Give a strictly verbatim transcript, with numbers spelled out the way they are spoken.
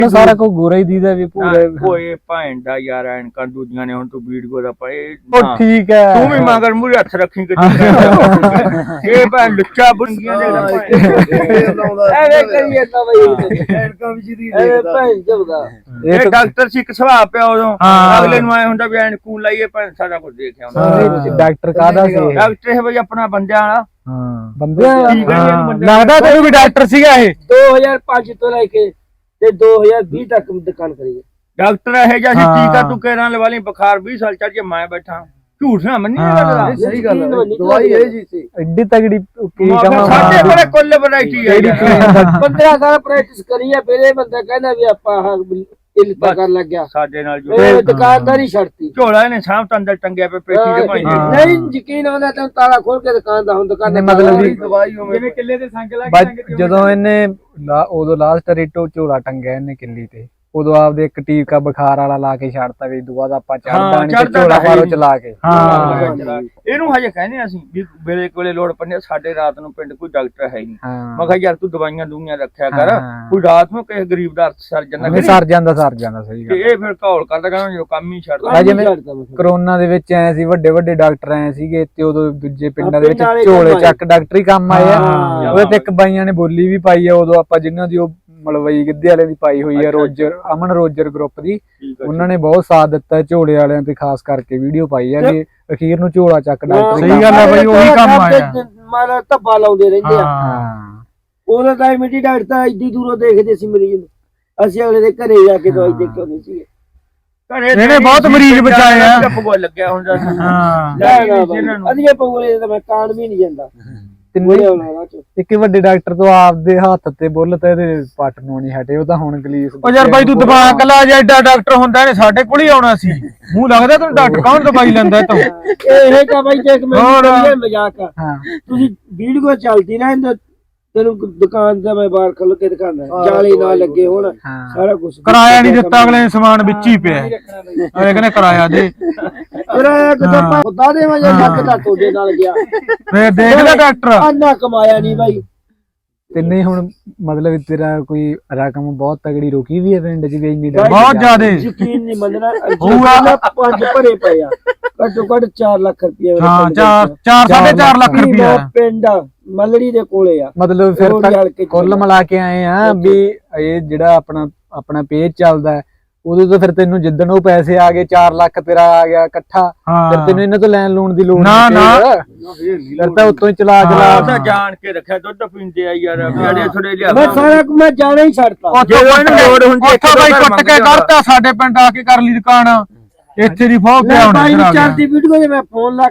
ਸਾਰਾ ਕੋ ਗੋਰਾ ਹੀ ਦੀਦਾ ਵੀ ਪੂਰੇ ਓਏ ਭੈਣ ਦਾ ਯਾਰ ਐਨਕਾਂ ਦੂਜੀਆਂ ਨੇ ਹੁਣ ਤੂੰ ਵੀਡੀਓ ਦਾ ਪਏ ਉਹ ਠੀਕ ਹੈ ਤੂੰ ਵੀ ਮਗਰ ਮੂਰੇ ਹੱਥ ਰੱਖੀ ਕਿ ਇਹ ਭੈਣ ਲੁੱਚਾ ਬੁੰਗੀਆਂ ਦੇ ਐਵੇਂ ਕਰੀਏ ਤਾਂ ਬਈ ਐਨਕਾਂ ਵੀ ਜਿਹਦੀ ਦੇਖਦਾ ਭੈਣ ਜਬਦਾ ਇਹ ਡਾਕਟਰ ਸੀ ਇੱਕ ਸੁਭਾਅ ਪਿਆ ਉਦੋਂ ਅਗਲੇ ਨੂੰ ਆਏ ਹੁੰਦਾ ਵੀ ਐਨਕੂ ਲਾਈਏ ਭੈਣ ਸਾਰਾ ਕੁਝ ਦੇਖਿਆ ਹੁੰਦਾ ਡਾਕਟਰ ਕਾਹਦਾ ਸੀ ਡਾਕਟਰ ਹੈ ਬਈ ਆਪਣਾ ਬੰਦਿਆਂ ਵਾਲਾ ਹਾਂ ਬੰਦਿਆਂ ਲੱਗਦਾ ਤੈਨੂੰ ਵੀ ਡਾਕਟਰ ਸੀਗਾ ਇਹ ਦੋ ਹਜ਼ਾਰ ਪੰਜ ਤੋਂ ਲੈ ਕੇ ਤੇ ਦੋ ਹਜ਼ਾਰ ਵੀਹ ਤੱਕ ਦੁਕਾਨ ਕਰੀ ਹੈ ਡਾਕਟਰ ਇਹ ਜਿਹਾ ਸੀ ਟੀਕਾ ਤੂੰ ਕਹਿਰਾਂ ਲਵਾ ਲਈ ਬੁਖਾਰ ਵੀਹ ਸਾਲ ਚੱਲ ਜੇ ਮੈਂ ਬੈਠਾ ਝੂਠ ਨਾ ਮੰਨੀ ਗੱਲ ਸਹੀ ਗੱਲ ਦਵਾਈ ਇਹ ਜੀ ਸੀ ਐਡੀ ਤਗੜੀ ਕੀ ਕਹਾਂ ਸਾਡੇ ਕੋਲੇ ਕੁੱਲ ਵੈਰਾਈਟੀ ਹੈ ਪੰਦਰਾਂ ਸਾਲ ਪ੍ਰੈਕਟਿਸ ਕਰੀ ਹੈ ਫਿਰ ਇਹ ਬੰਦਾ ਕਹਿੰਦਾ ਵੀ ਆਪਾਂ ਹਾਂ ਇਲਤਾ ਕਰ ਲੱਗਿਆ ਸਾਡੇ ਨਾਲ ਜੋ ਦੁਕਾਨਦਾਰੀ ਛੱਡਤੀ ਝੋਲਾ ਇਹਨੇ ਸਾਹਮ ਤੋਂ ਅੰਦਰ ਟੰਗਿਆ ਪੇ ਪੇਟੀ ਦੇ ਭਾਈ ਨਹੀਂ ਯਕੀਨ ਆਉਂਦਾ ਤੈਨੂੰ ਤਾਲਾ ਖੋਲ ਕੇ ਦੁਕਾਨ ਦਾ ਹੁਣ ਦੁਕਾਨ ਮਤਲਬ ਵੀ ਦਵਾਈ ਜਿਵੇਂ ਕਿੱਲੇ ਦੇ ਸੰਗ ਲਾ ਕੇ ਜਦੋਂ ਇਹਨੇ ਉਦੋਂ ਲਾਸਟ ਰੇਟੋ ਝੋਲਾ ਟੰਗਿਆ ਇਹਨੇ ਕਿੱਲੀ ਤੇ ਉਦੋਂ ਆਪਦੇ ਇੱਕ ਟੀਕਾ ਬੁਖਾਰ ਵਾਲਾ ਲਾ ਕੇ ਛੱਡਤਾ ਵੀ ਦੁਆ ਦਾ ਆਪਾਂ ਚੜਦਾ ਨਹੀਂ ਤੇ ਝੋਲਾ ਮਾਰੋ ਚਲਾ ਕੇ ਹਾਂ ਇਹਨੂੰ ਹਜੇ ਕਹਿੰਦੇ ਅਸੀਂ ਵੀ ਵੇਲੇ ਕੋਲੇ ਲੋੜ ਪੈਂਦੀ ਸਾਡੇ ਰਾਤ ਨੂੰ ਪਿੰਡ ਕੋਈ ਡਾਕਟਰ ਹੈ ਨਹੀਂ ਮੈਂ ਕਿਹਾ ਯਾਰ ਤੂੰ ਦਵਾਈਆਂ ਦੂਈਆਂ ਰੱਖਿਆ ਕਰ ਕੋਈ ਰਾਤ ਨੂੰ ਕਿਸੇ ਗਰੀਬ ਦਾ ਸਰ ਜਾਂਦਾ ਸਰ ਜਾਂਦਾ ਸਰ ਜਾਂਦਾ ਸਹੀ ਗੱਲ ਇਹ ਫਿਰ ਘੌਲ ਕਰਦਾ ਕਹਿੰਦਾ ਜੋ ਕੰਮ ਹੀ ਛੱਡਦਾ ਜਿਵੇਂ ਕਰੋਨਾ ਦੇ ਵਿੱਚ ਐ ਸੀ ਵੱਡੇ ਵੱਡੇ ਡਾਕਟਰ ਐ ਸੀਗੇ ਤੇ ਉਦੋਂ ਦੂਜੇ ਪਿੰਡਾਂ ਦੇ ਵਿੱਚ ਝੋਲੇ ਚੱਕ ਡਾਕਟਰੀ ਕੰਮ ਆਏ ਆ ਉਹਦੇ ਤੇ ਇੱਕ ਬਾਈਆਂ ਨੇ ਬੋਲੀ ਵੀ ਪਾਈ ਆ ਉਦੋਂ ਆਪਾਂ ਜਿਨ੍ਹਾਂ ਦੀ ਉਹ ਮਲਵਈ ਗਿੱਧੇ ਵਾਲਿਆਂ ਦੀ ਪਾਈ ਹੋਈ ਆ ਰੋਜਰ ਅਮਨ ਰੋਜਰ ਗਰੁੱਪ ਦੀ ਉਹਨਾਂ ਨੇ ਬਹੁਤ ਸਾਥ ਦਿੱਤਾ ਝੋਲੇ ਵਾਲਿਆਂ ਤੇ ਖਾਸ ਕਰਕੇ ਵੀਡੀਓ ਪਾਈ ਆ ਕਿ ਅਖੀਰ ਨੂੰ ਝੋਲਾ ਚੱਕ ਡਾਕਟਰ ਸਹੀ ਗੱਲ ਆ ਬਈ ਉਹੀ ਕੰਮ ਆਇਆ ਮਾਰਾ ਧੱਬਾ ਲਾਉਂਦੇ ਰਹਿੰਦੇ ਆ ਉਹਦਾ ਤਾਂ ਮਿੱਟੀ ਡਾਕਟਰ ਤਾਂ ਇੱਡੀ ਦੂਰੋਂ ਦੇਖਦੇ ਸੀ ਮਰੀਜ਼ ਨੂੰ ਅਸੀਂ ਅਗਲੇ ਦੇ ਘਰੇ ਜਾ ਕੇ ਦਵਾਈ ਦੇ ਕੇ ਆਉਂਦੇ ਸੀ ਇਹਨੇ ਬਹੁਤ ਮਰੀਜ਼ ਬਚਾਏ ਆ ਪਗੋ ਲੱਗਿਆ ਹੁੰਦਾ ਹਾਂ ਅਧੀਏ ਪਗੋਲੇ ਤਾਂ ਮੈਂ ਕਾਣ ਵੀ ਨਹੀਂ ਜਾਂਦਾ ਇੱਕ ਵੱਡੇ ਡਾਕਟਰ ਤੋਂ ਆਪਦੇ ਹੱਥ ਤੇ ਬੁੱਲ ਤੇ ਇਹਦੇ ਪੱਟ ਨੂੰ ਨਹੀਂ ਹਟੇ ਉਹ ਤਾਂ ਹੁਣ ਗਲੀਸ ਉਹ ਯਾਰ ਬਾਈ ਤੂੰ ਦਿਮਾਗ ਲਾ ਜਾ ਐਡਾ ਡਾਕਟਰ ਹੁੰਦਾ ਇਹਨੇ ਸਾਡੇ ਕੋਲ ਹੀ ਆਉਣਾ ਸੀ ਮੂੰਹ ਲੱਗਦਾ ਤੈਨੂੰ ਡਾਕਟਰ ਕੌਣ ਦਵਾਈ ਲੈਂਦਾ ਤੂੰ ਇਹ ਕਾ ਬਾਈ ਦੇਖ ਮੈਂ ਮਜ਼ਾਕ ਆ ਤੁਸੀਂ ਵੀਡੀਓ ਚੱਲਦੀ ਨਾ ਇਹਦਾ ਤੈਨੂੰ ਦੁਕਾਨ ਤੇ ਮੈਂ ਬਾਹਰ ਖੁੱਲ ਕੇ ਦਿਖਾਉਂਦਾ ਜਾਲੀ ਨਾ ਲੱਗੇ ਹੁਣ ਸਾਰਾ ਕੁਝ ਕਿਰਾਇਆ ਨਹੀਂ ਦਿੱਤਾ ਅਗਲੇ ਨੇ ਸਮਾਨ ਵਿੱਚ ਹੀ ਪਿਆ ਅਗਲੇ ਕਹਿੰਦੇ ਕਿਰਾਇਆ ਦੇ ਕਿਰਾਇਆ ਕਿਤੇ ਖੁਦਾ ਦੇ ਵਜੇ ਲੱਗ ਦਾ ਤੁਹਾਡੇ ਨਾਲ ਗਿਆ ਫੇਰ ਦੇਖ ਲੈ ਡਾਕਟਰ ਅੰਨਾ ਕਮਾਇਆ ਨਹੀਂ ਬਾਈ ਤੇ ਨਹੀਂ ਹੁਣ ਮਤਲਬ ਤੇਰਾ ਕੋਈ ਰਕਮ ਬਹੁਤ ਤਗੜੀ ਰੋਕੀ ਵੀ ਹੈ ਪਿੰਡ ਚ ਵੀ ਇੰਨੀ ਬਹੁਤ ਜ਼ਿਆਦਾ ਯਕੀਨ ਨਹੀਂ ਮੰਨਣਾ ਹੋਊਗਾ ਪੰਜ ਭਰੇ ਪਏ ਆ ਘੱਟੋ ਘੱਟ ਚਾਰ ਲੱਖ ਰੁਪਏ ਹਾਂ ਚਾਰ ਚਾਰ ਸਾਢੇ ਚਾਰ ਲੱਖ ਰੁਪਏ ਪਿੰਡ ਮਲੜੀ ਦੇ ਕੋਲੇ ਆ ਮਤਲਬ ਫਿਰ ਤੱਕ ਕੁੱਲ ਮਿਲਾ ਕੇ ਆਏ ਆ ਵੀ ਇਹ ਜਿਹੜਾ ਆਪਣਾ ਆਪਣਾ ਪੇਜ ਚੱਲਦਾ ਉਦੋਂ ਤਾਂ ਫਿਰ ਤੈਨੂੰ ਜਿੱਦਣ ਉਹ ਪੈਸੇ ਆ ਗਏ ਚਾਰ ਲੱਖ ਤੇਰਾ ਆ ਗਿਆ ਇਕੱਠਾ ਫਿਰ ਤੈਨੂੰ ਇਹਨਾਂ ਤੋਂ ਲੈਣ ਲੂਣ ਦੀ ਲੋੜ ਨਹੀਂ ਫਿਰ ਤਾਂ ਉੱਤੋਂ ਹੀ ਚਲਾ ਚਲਾ ਜਾਣ ਕੇ ਰੱਖਿਆ ਦੁੱਧ ਪੀਂਦੇ ਆ ਯਾਰ ਜਿਹੜੇ ਥੋੜੇ ਲਿਆ ਮੈਂ ਸਾਰਾ ਮੈਂ ਜਾਣਾ ਹੀ ਛੱਡਤਾ ਜੇ ਇਹਨੂੰ ਲੋੜ ਹੁੰਦੀ ਉੱਥੋਂ ਬਾਈ ਕੁੱਟ ਕੇ ਕੱਢਤਾ ਸਾਡੇ ਪਿੰਡ ਆ ਕੇ ਕਰ ਲਈ ਦੁਕਾਨ ਇੱਥੇ ਦੀ ਫੋਕ ਪਿਆ ਹੋਣਾ ਬਾਈ ਚਾਰ ਦੀ ਵੀਡੀਓ ਜੇ ਮੈਂ ਫੋਨ ਲਾ